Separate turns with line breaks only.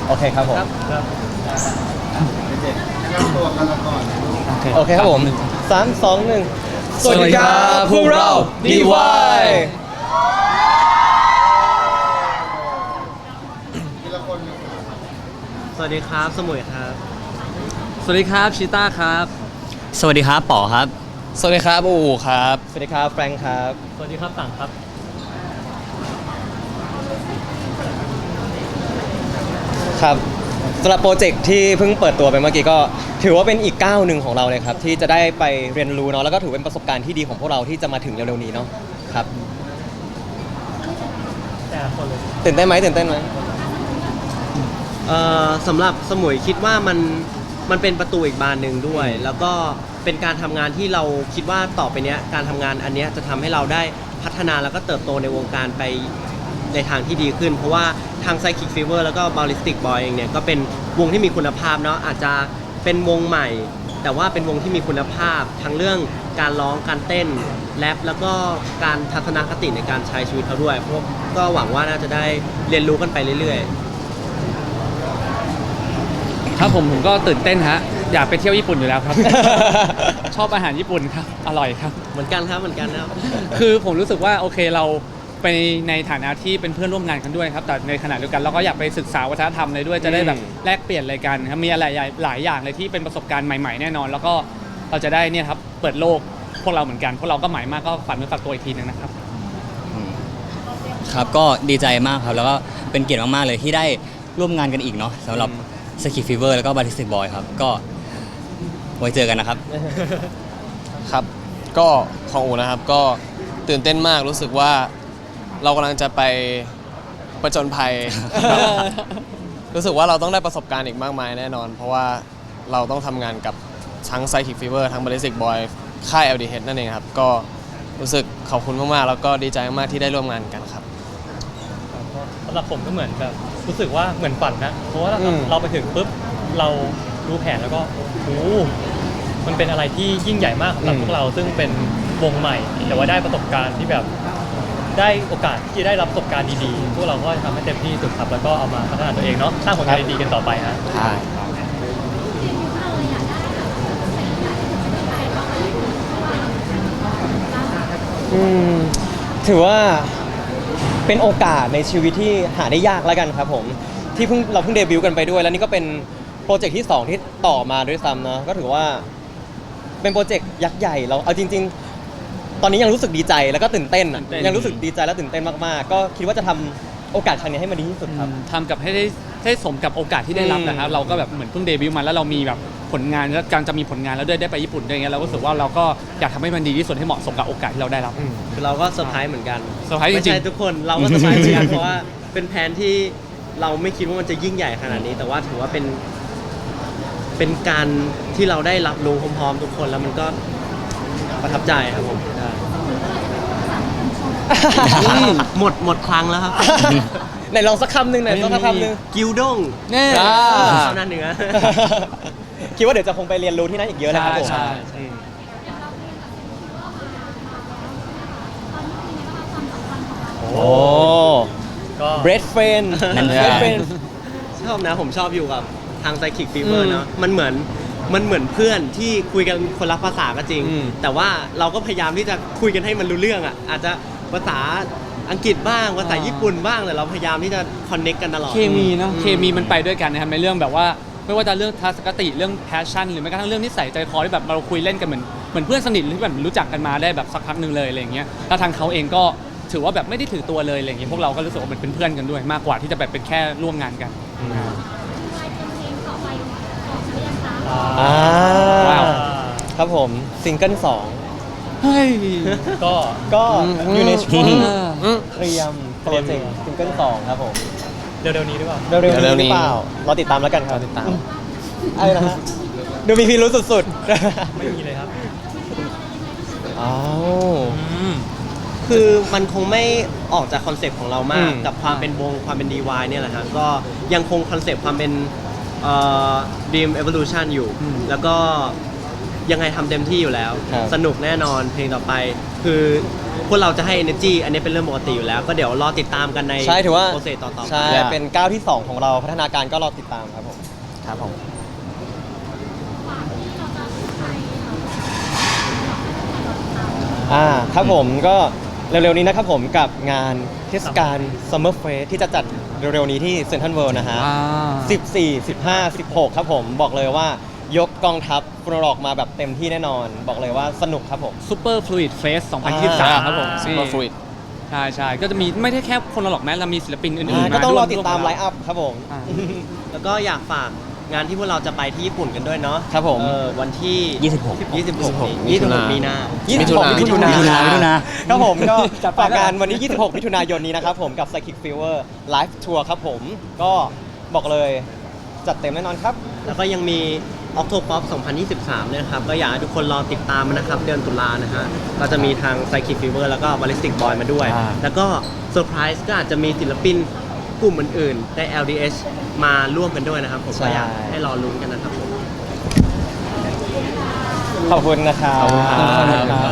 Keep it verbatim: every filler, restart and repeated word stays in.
โอเคครับผม
ครับ
เด็กๆแนะนำตัวกันละก่อน
โอเคครับผมสามสองหนึ่ง
สวัสดีครับพวกเรา ดี วาย
ทีละคนเลย
สวัสดีครับสมุยครับ
สวัสดีครับชิต้าครับ
สวัสดีครับป๋อครับ
สวัสดีครับอู๋ครับ
สวัสดีครับแฟรงค์ครับ
สวัสดีครับต่างครับ
ครับสำหรับโปรเจกต์ที่เพิ่งเปิดตัวไปเมื่อกี้ก็ถือว่าเป็นอีกก้าวหนึ่งของเราเลยครับที่จะได้ไปเรียนรู้เนาะแล้วก็ถือเป็นประสบการณ์ที่ดีของพวกเราที่จะมาถึงเร็วๆนี้เนาะครับ
แต่คนเลย
ตื่นเต้นไหมตื่นเต้นไหม
เอ่อสำหรับสมุยคิดว่ามันมันเป็นประตูอีกบานหนึ่งด้วย แล้วก็เป็นการทำงานที่เราคิดว่าต่อไปเนี้ยการทำงานอันเนี้ยจะทำให้เราได้พัฒนาแล้วก็เติบโตในวงการไปในทางที่ดีขึ้น เพราะว่าทาง Psychic Fever แล้วก็ Ballistic Boy เองเนี่ยก็เป็นวงที่มีคุณภาพเนาะอาจจะเป็นวงใหม่ แต่ว่าเป็นวงที่มีคุณภาพทั้งเรื่องการร้องการเต้นแรปแล้วก็การทัศนคติในการใช้ชีวิตเขาด้วยพวกก็หวังว่าน่าจะได้เรียนรู้กันไปเรื่อยๆ
ครับผมผมก็ตื่นเต้นฮะอยากไปเที่ยวญี่ปุ่นอยู่แล้วครับ ชอบอาหารญี่ปุ่นครับอร่อยครับ
เหมือนกันครับเหมือนกันครับ
คือผมรู้สึกว่าโอเคเราไปในฐานะที่เป็นเพื่อนร่วมงานกันด้วยครับแต่ในขณะเดียวกันเราก็อยากไปศึกษาวัฒนธรรมเลยด้วยจะได้แบบแลกเปลี่ยนอะไรกันครับมีอะไรหลายอย่างเลยที่เป็นประสบการณ์ใหม่ๆแน่นอน แล้วก็เราจะได้เนี่ยครับเปิดโลกพวกเราเหมือนกันพวกเราก็หมายมากก็ฝันเมื่อฝากตัวอีกทีนึงนะครับ
ครับก็ดีใจมากครับ แล้วก็เป็นเกียรติมากๆเลยที่ได้ร่วมงานกันอีกเนาะสำหรับ Psychic Fever แล้วก็ Ballistic Boy ครับ ก็ไว้เจอกันนะครับ
ครับก็ของอูนะครับก็ตื่นเต้นมากรู้สึกว่าเรากำลังจะไปประจนภัย รู้สึกว่าเราต้องได้ประสบการณ์อีกมากมายแน่นอน เพราะว่าเราต้องทำงานกับทั้ง Psychic Fever ทั้ง Ballistic Boy ค่าย แอล ดี เอช นั่นเองครับก็รู้สึกขอบคุณมากๆแล้วก็ดีใจมากๆที่ได้ร่วมงานกันครับ
สำหรับผมก็เหมือนแบบรู้สึกว่าเหมือนฝันนะ เพราะว่าเรา
อืม
เราไปถึงปุ๊บเรารู้แผนแล้วก็โอ้โหมันเป็นอะไรที่ยิ่งใหญ่มากสำหรับพวกเราซึ่งเป็นวงใหม่ แต่ว่าได้ประสบการณ์ที่แบบได้โอกาสที่ได้รับประสบการณ์ดีๆ พวกเราก็จะทำให้เต็มที่สุดครับแล้วก็เอามาพัฒนาตัวเองเนาะสร้างผลงานดีๆกันต่อไปฮะ
ใช่
อืมถือว่าเป็นโอกาสในชีวิตที่หาได้ยากแล้วกันครับผมที่เพิ่งเราเพิ่งเดบิวต์กันไปด้วย แล้วนี่ก็เป็นโปรเจกต์ที่สองที่ต่อมาด้วยซ้ำเนาะก็ถือว่าเป็นโปรเจกต์ยักษ์ใหญ่เราเอาจริง ๆ ตอนนี้ยังรู้สึกดีใจแล้วก็ตื่นเต้นอะ
ตื่นเต้น
ยังรู้สึกดีใจและตื่นเต้นมากๆ ก็คิดว่าจะทำโอกาสครั้งนี้ให้มันดีที่สุดครับ
ทำกับให้ได้ให้สมกับโอกาสที่ได้รับนะครับ
อืม
เราก็แบบเหมือนเพิ่งเดบิวต์มาแล้วเรามีแบบผลงานแล้วการจะมีผลงานแล้วด้วยได้ไปญี่ปุ่นด้วยอย่างเงี้ยเราก็รู้สึกว่าเราก็อยากทำให้มันดีที่สุดให้เหมาะสมกับโอกาสที่เราได้รับ
คือเราก็เซอร์ไพรส์เหมือนกัน
เซอร์ไพรส์จริงๆ
ไม่ใช่ทุกคนเราก็เซอร์ไพรส์เหมือนกัน เพราะว่าเป็นแผนที่เราไม่คิดว่ามันจะยิ่งใหญ่ขนาดนี้ แต่ว่าถือว่าเป็น เป็นการที่เราได้รับรู้พร้อมๆทุกคนแล้วมันก็ประทับใจครับผมหมดหมดครั้งแล้วครับ
ไหนลองสักคำหนึ่งไหนลองสักคำหนึ่ง
กิวด้ง
แน่
อ่า
ชาวนาเหนือ
คิดว่าเดี๋ยวจะคงไปเรียนรู้ที่นั่นอีกเยอะนะครับผม
ใช่
อืม โอ้
ก็
เบรดเฟน
นั่น
เบ
ไง
รดเฟน
ชอบนะผมชอบอยู่กับทาง Psychic Fever เนาะมันเหมือนมันเหมือนเพื่อนที่คุยกันคนละภาษาก็จริง
อืม
แต่ว่าเราก็พยายามที่จะคุยกันให้มันรู้เรื่องอ่ะอาจจะภาษาอังกฤษบ้างภาษาญี่ปุ่นบ้างแต่เราพยายามที่จะคอนเน็กกันตลอด
เคมีเนาะ
อืม
เคมีมันไปด้วยกันนะครับในเรื่องแบบว่าไม่ว่าจะเรื่องทัศนคติเรื่องแพชชั่นหรือแม้กระทั่งเรื่องนิสัยใจคอที่แบบเราคุยเล่นกันเหมือนเหมือนเพื่อนสนิทที่แบบรู้จักกันมาได้แบบสักพักหนึ่งเลยอะไรอย่างเงี้ยแล้วทางเขาเองก็ถือว่าแบบไม่ได้ถือตัวเลยอะไรอย่างเงี้ยพวกเราก็รู้สึกว่ามันเป็นเพื่อนกันด้วย มากกว่าที่จะแบบเป็นแค่ร่วมงานกัน
อ่า
ว้าว
ครับผมซิงเกิลสอง
เฮ้ย
ก็
ก็อยู่ในช่วง
อืม
เตรียมโปรเจกต์ซิงเกิลสองครับผม
เร็วๆนี้หรือเปล่า
เร็วๆ
เร็
นี้
วๆ
ห
นี้
รือเปล่าเราติดตามแล้วกันครับ
ติดตาม
อะไรนะฮะดูมีพิรุธสุด
ไม่มีเลยครับ
ๆ อ้าว
คือมันคงไม่ออกจากคอนเซปต์ของเรามาก
อืม
กับความเป็นวงความเป็น ดี วาย เนี่ยแหละฮะก็ยังคงคอนเซปต์ความเป็นเอ่อ Dream Evolution อยู่
อืม
แล้วก็ยังไงทำเต็มที่อยู่แล้ว
ครับ
สนุกแน่นอนเพลงต่อไป คือพวกเราจะให้ energy อันนี้เป็นเรื่องปกติอยู่แล้ว ก็เดี๋ยวรอติดตามกันใน
ใช่ถือว่า
โปรเซสต่อๆไป
ใช่เป็นก้าวที่สองของเราพัฒนาการก็รอติดตามครับผม
ครับผม
อ่าครับผมก็เร็วๆนี้นะครับผมกับงานเทศกาล Summer Fest ที่จะจัดเร็วๆนี้ที่เซ็นทรัลเวิลด์นะฮะ
อ่า
สิบสี่ สิบห้า สิบหกครับผมบอกเลยว่ายกกองทัพฟุตบอลมาแบบเต็มที่แน่นอน บอกเลยว่าสนุกครับผม
ซูเปอร์ฟลูอิดเฟสสองพันยี่สิบสามครับผม
ซูเปอร์ฟลูอิด
ใช่ใช่ก็จะมีไม่ได้แค่คนละหรอกแม้เรามีศิลปินอื่นๆ
ก็ต้องรอ
ว
ติดตาม
ว
ไลฟ์อัพครับผม
อ่า
แล้วก็อยากฝากงานที่พวกเราจะไปที่ญี่ปุ่นกันด้วยเนาะ
ครับผม
เออวันที่
ยี่สิบหก
ยี่สิบหก
มิ
ยี่
ถุ
สิบห
นาก
มีนา
ยี่สิบหก
มิ
มิ
ถุ
ถุ
นา
นาย
มิถุนายมิถุนา
ครับผมก็
จัดไป
ฝาก
แล้ว
งานวันนี้ ยี่สิบหก มิถุนายนนี้นะครับผมกับ Psychic Fever Live Tour ครับผมก็บอกเลยจัดเต็มแน่นอนครับ
แล้วก็ยังมี Octopop สองพันยี่สิบสามเนี่ยนะครับ ก็อยากให้ทุกคนรอติดตามมันนะครับ เดือนตุลานะฮะ ก็จะมีทาง Psychic Fever แล้วก็ Ballistic Boy มาด้วย
อ่า
แล้วก็เซอร์ไพรส์ก็อาจจะมีศิลปินกลุ่มอื่นๆใน แอล ดี เอช มาร่วมกันด้วยนะครับ ผม
ใช่
ก็อยากให้รอลุ้นกันนะครับผม
ขอบคุณนะครับ
ขอบคุณครับ